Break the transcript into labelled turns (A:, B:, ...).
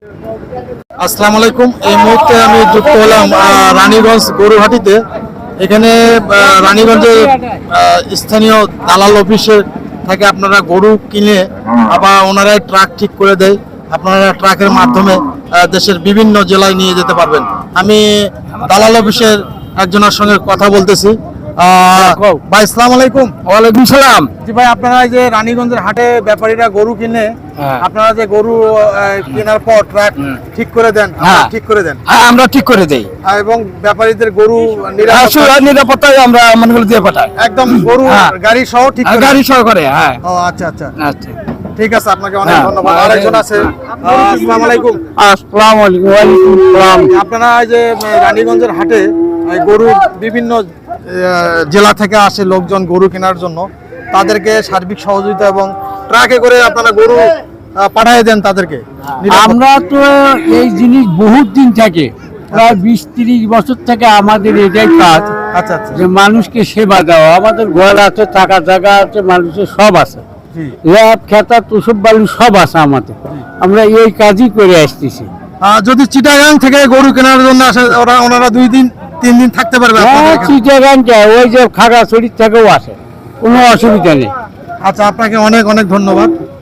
A: আসসালামু আলাইকুম। এই মুহূর্তে আমি যুক্ত হলাম রানীগঞ্জ গরুহাটিতে। এখানে রানীগঞ্জের স্থানীয় দালাল অফিসে থেকে আপনারা গরু কিনে আবার ওনারাই ট্রাক ঠিক করে দেয়, আপনারা ট্রাকের মাধ্যমে দেশের বিভিন্ন জেলায় নিয়ে যেতে পারবেন। আমি দালাল অফিসের একজনের সঙ্গে কথা বলতেছি। ভাই আসসালামু আলাইকুম।
B: ওয়ালাইকুম সালাম।
A: জি ভাই, আপনারা এই যে রানীগঞ্জের হাটে ব্যাপারীরা গরু কিনে, আপনারা যে গরু কেনার পর ট্রাক ঠিক করে দেন, ঠিক করে দেন?
B: হ্যাঁ, আমরা ঠিক করে দেই
A: এবং ব্যাপারীদের গরু
B: নিরাপত্তায় আমরা মানগুলো দিয়ে পাঠাই,
A: একদম গরু গাড়ি সহ ঠিক করে
B: গাড়ি সহকারে। হ্যাঁ,
A: ও আচ্ছা আচ্ছা
B: আচ্ছা,
A: ঠিক আছে, আপনাকে অনেক ধন্যবাদ। আরেকজন আছে। আসসালামু আলাইকুম।
B: আসসালামু আলাইকুম। ওয়ালাইকুম আসসালাম।
A: আপনারা এই যে রানীগঞ্জের হাটে গরু বিভিন্ন জেলা থেকে আসে লোকজন গরু কেনার জন্য, তাদেরকে সার্বিক সহযোগিতা এবং ট্রাকে করে আপনারা গরু পাঠিয়ে দেন তাদেরকে?
B: আমরা তো এই জিনিস বহুত দিন থেকে, প্রায় 20-30 বছর থেকে আমাদের এটাই কাজ।
A: আচ্ছা আচ্ছা,
B: যে মানুষকে সেবা দেওয়া। আমাদের ঘর আছে, থাকা জায়গা আছে, মানুষের সব আছে, ল্যাব খেতা তুসব বালু সব আছে আমাদের। আমরা এই কাজই করে আসতেছি।
A: যদি চিটাগাং থেকে গরু কেনার জন্য আসে, ওনারা 2-3 দিন থাকতে পারবে আপনাদের এখানে?
B: চিটাগাং যায়, ওই যে খাগড়াছড়ি থেকেও আসে, কোনো অসুবিধা নেই।
A: আচ্ছা, আপনাকে অনেক অনেক ধন্যবাদ।